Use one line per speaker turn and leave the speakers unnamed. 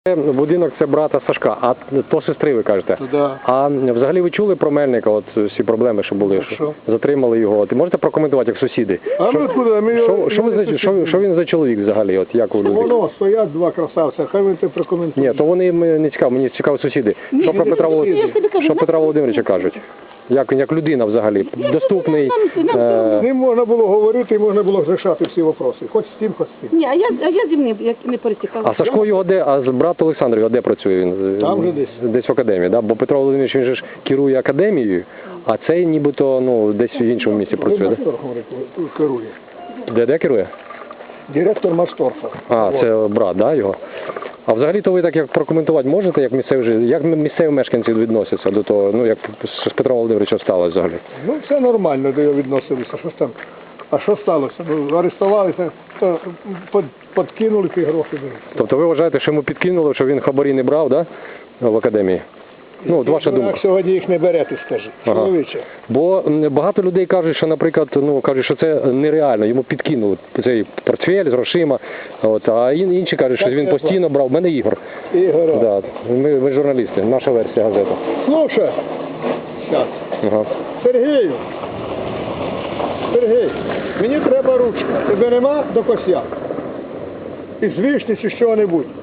Будинок це брата Сашка, а то сестри, ви кажете.
Да.
А взагалі ви чули про Мельника, от всі проблеми, що були, що затримали його? От, можете прокоментувати як сусіди?
А ми откуда? Ми його...
Що він за чоловік взагалі? От, як ви люди?
Воно, стоять два красавця, хай він це прокоментує.
Ні, то вони не цікаво, мені цікаво сусіди. Що про Петра Володимировича кажуть? Як людина взагалі? Доступний?
З ним можна було говорити і можна було рішати всі вопроси. Хоч з тим, хоч з тим.
Ні, а я зі мним як не пересікала.
А Сашко його де, а брат Олександр його де працює він?
Там же десь.
Десь в академії, да? Бо Петро Володимирович, він же ж керує академією, а цей нібито, десь в іншому місці працює, да?
Керує.
Де керує?
Директор Масторфа.
А, це брат, да, його? А взагалі-то ви так як прокоментувати можете, як місцеві мешканці відносяться до того, як з Петром Володимировичем сталося взагалі?
Ну, все нормально до його відносилися. Що ж там? А що сталося? Арестувалися, то подкинули ті гроші.
Тобто ви вважаєте, що йому підкинули, що він хабарі не брав, да? В академії? От ваша думка.
Як сьогодні їх не берете, скажи. Чоловіче.
Бо багато людей кажуть, що, наприклад, кажуть, що це нереально, йому підкинули цей портфель з грошима, а інші кажуть, що він постійно брав. У мене Ігор.
Ігор.
Да. Ми журналісти, наша версія газети.
Слушай, зараз.
Ага.
Сергій, мені треба ручка. Тебе нема до косяк? Із вишні чи що-небудь.